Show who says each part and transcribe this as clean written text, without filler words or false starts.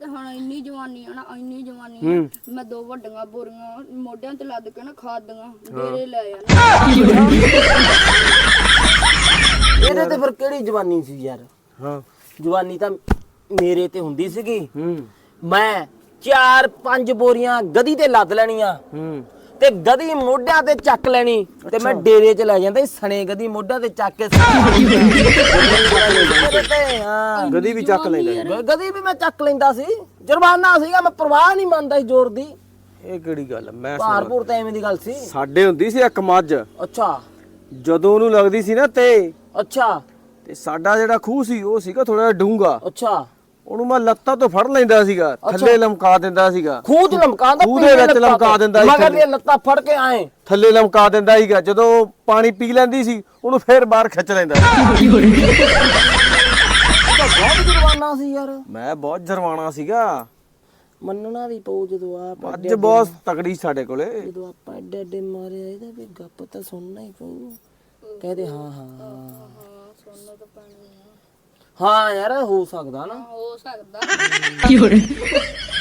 Speaker 1: ਤੇ ਹੁਣ ਇੰਨੀ ਜਵਾਨੀ ਆ ਨਾ ਇੰਨੀ ਜਵਾਨੀ ਆ ਮੈਂ 2 ਵੱਡੀਆਂ ਬੋਰੀਆਂ ਮੋਢਿਆਂ ਤੇ ਲੱਦ ਕੇ ਨਾ ਖਾਦੀਆਂ ਡੇਰੇ ਲੈ ਜਾਣਾ
Speaker 2: ਇਹਦੇ ਤੇ ਫਿਰ ਕਿਹੜੀ ਜਵਾਨੀ ਸੀ ਯਾਰ।
Speaker 3: ਹਾਂ
Speaker 2: ਜਵਾਨੀ ਤਾਂ ਮੇਰੇ ਤੇ ਹੁੰਦੀ ਸੀਗੀ। ਮੈਂ 4-5 ਬੋਰੀਆਂ ਗਧੀ ਤੇ ਲੱਦ ਲੈਣੀਆਂ ਤੇ ਗਧੀ ਮੋਢਿਆਂ ਤੇ ਚੱਕ ਲੈਣੀ ਤੇ ਮੈਂ ਡੇਰੇ 'ਚ ਲੈ ਜਾਂਦਾ ਸਣੇ ਗਧੀ ਮੋਢਿਆਂ ਤੇ ਚੱਕ ਕੇ ਹਾਂ
Speaker 3: ਗਧੀ ਵੀ ਚੱਕ ਲੈਂਦਾ।
Speaker 2: ਗਧੀ ਵੀ ਮੈਂ ਚੱਕ ਲੈਂਦਾ ਸੀ। ਜੁਰਮਾਨਾ ਸੀਗਾ ਮੈਂ ਪਰਵਾਹ ਨਹੀਂ ਮੰਨਦਾ ਸੀ ਜ਼ੋਰ ਦੀ।
Speaker 3: ਇਹ ਕਿਹੜੀ ਗੱਲ ਮੈਂ
Speaker 2: ਭਾਰਪੂਰ ਤਾਂ ਐਵੇਂ ਦੀ ਗੱਲ ਸੀ।
Speaker 3: ਸਾਡੇ ਹੁੰਦੀ ਸੀ ਇੱਕ ਮੱਝ
Speaker 2: ਅੱਛਾ
Speaker 3: ਜਦੋਂ ਉਹਨੂੰ ਲੱਗਦੀ ਸੀ ਨਾ ਤੇ
Speaker 2: ਅੱਛਾ
Speaker 3: ਤੇ ਸਾਡਾ ਜਿਹੜਾ ਖੂਹ ਸੀ ਉਹ ਸੀਗਾ ਥੋੜਾ ਜਿਹਾ ਡੂੰਘਾ।
Speaker 2: ਅੱਛਾ
Speaker 3: ਉਹਨੂੰ ਮੈਂ ਲੱਤਾਂ ਤੋਂ ਫੜ ਲੈਂਦਾ ਸੀਗਾ ਥੱਲੇ ਲਮਕਾ ਦਿੰਦਾ ਸੀਗਾ।
Speaker 2: ਖੂਹ 'ਚ ਲਮਕਾਉਂਦਾ
Speaker 3: ਖੂਹ ਦੇ ਵਿੱਚ ਲਮਕਾ ਦਿੰਦਾ ਸੀ
Speaker 2: ਮਗਰ ਦੀਆਂ ਲੱਤਾਂ ਫੜ ਕੇ ਆਏ
Speaker 3: ਥੱਲੇ ਲਮਕਾ ਦਿੰਦਾ ਸੀਗਾ। ਜਦੋਂ ਪਾਣੀ ਪੀ ਲੈਂਦੀ ਸੀ ਉਹਨੂੰ ਫੇਰ ਬਾਹਰ ਖਿੱਚ ਲੈਂਦਾ ਸੀ।
Speaker 2: ਬਹੁਤ ਜੁਰਮਾਨਾ ਸੀ ਯਾਰ।
Speaker 3: ਮੈਂ ਬਹੁਤ ਜਰਵਾਣਾ ਸੀਗਾ।
Speaker 2: ਮੰਨਣਾ ਵੀ ਪਊ ਜਦੋਂ ਆਪ
Speaker 3: ਅੱਜ ਬਹੁਤ ਤਕੜੀ ਸਾਡੇ ਕੋਲੇ।
Speaker 2: ਜਦੋਂ ਆਪਾਂ ਐਡੇ ਐਡੇ ਮਾਰਿਆ ਇਹਦਾ ਵੀ ਗੱਪ ਤਾਂ ਸੁਣਨਾ ਹੀ ਪਊ। ਕਹਦੇ ਹਾਂ ਹਾਂ
Speaker 1: ਸੁਣਨਾ ਤਾਂ ਪੈਣੀ
Speaker 2: ਹਾਂ ਯਾਰ ਹੋ ਸਕਦਾ ਨਾ
Speaker 1: ਹੋ ਸਕਦਾ